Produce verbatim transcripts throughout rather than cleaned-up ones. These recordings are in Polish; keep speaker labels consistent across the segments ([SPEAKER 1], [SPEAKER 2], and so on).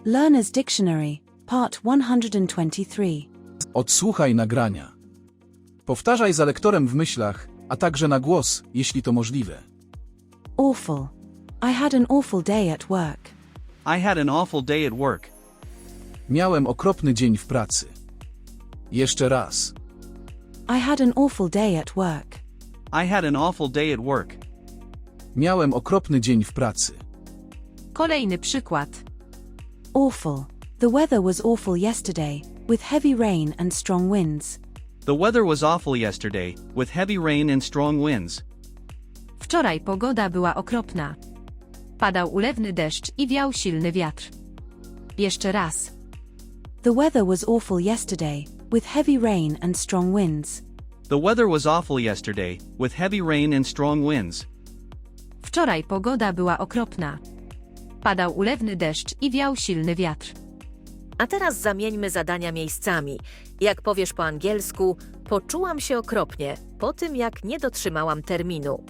[SPEAKER 1] Learner's Dictionary, Part one hundred twenty-three.
[SPEAKER 2] Odsłuchaj nagrania. Powtarzaj za lektorem w myślach, a także na głos, jeśli to możliwe.
[SPEAKER 1] Awful. I had an awful day at work.
[SPEAKER 3] I had an awful day at work.
[SPEAKER 2] Miałem okropny dzień w pracy. Jeszcze raz.
[SPEAKER 1] I had an awful day at work.
[SPEAKER 3] I had an awful day at work.
[SPEAKER 2] Miałem okropny dzień w pracy.
[SPEAKER 4] Kolejny przykład.
[SPEAKER 1] Awful. The weather was awful yesterday, with heavy rain and strong winds.
[SPEAKER 3] The weather was awful yesterday, with heavy rain and strong winds.
[SPEAKER 4] Wczoraj pogoda była okropna. Padał ulewny deszcz i wiał silny wiatr. Jeszcze raz.
[SPEAKER 1] The weather was awful yesterday, with heavy rain and strong winds.
[SPEAKER 3] The weather was awful yesterday, with heavy rain and strong winds.
[SPEAKER 4] Wczoraj pogoda była okropna. Padał ulewny deszcz i wiał silny wiatr.
[SPEAKER 5] A teraz zamieńmy zadania miejscami. Jak powiesz po angielsku, poczułam się okropnie po tym, jak nie dotrzymałam terminu.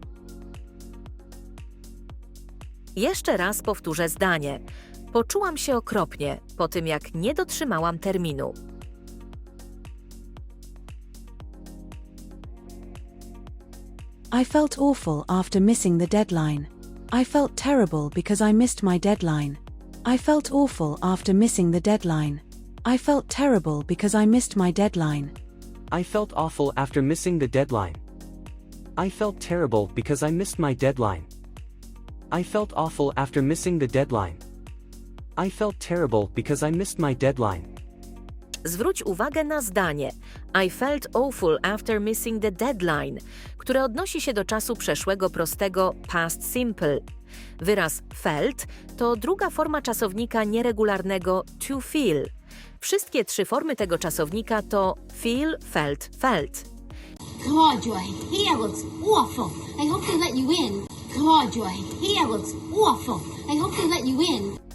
[SPEAKER 5] Jeszcze raz powtórzę zdanie. Poczułam się okropnie po tym, jak nie dotrzymałam terminu.
[SPEAKER 1] I felt awful after missing the deadline. I felt terrible because I missed my deadline. I felt awful after missing the deadline. I felt terrible because I missed my deadline.
[SPEAKER 6] I felt awful after missing the deadline. I felt terrible because I missed my deadline. I felt awful after missing the deadline. I felt terrible because I missed my deadline.
[SPEAKER 5] Zwróć uwagę na zdanie I felt awful after missing the deadline, które odnosi się do czasu przeszłego prostego past simple. Wyraz felt to druga forma czasownika nieregularnego to feel. Wszystkie trzy formy tego czasownika to feel, felt, felt.
[SPEAKER 7] God, your hair looks awful. I hope they let you in. God, your hair looks awful. I hope they let you in.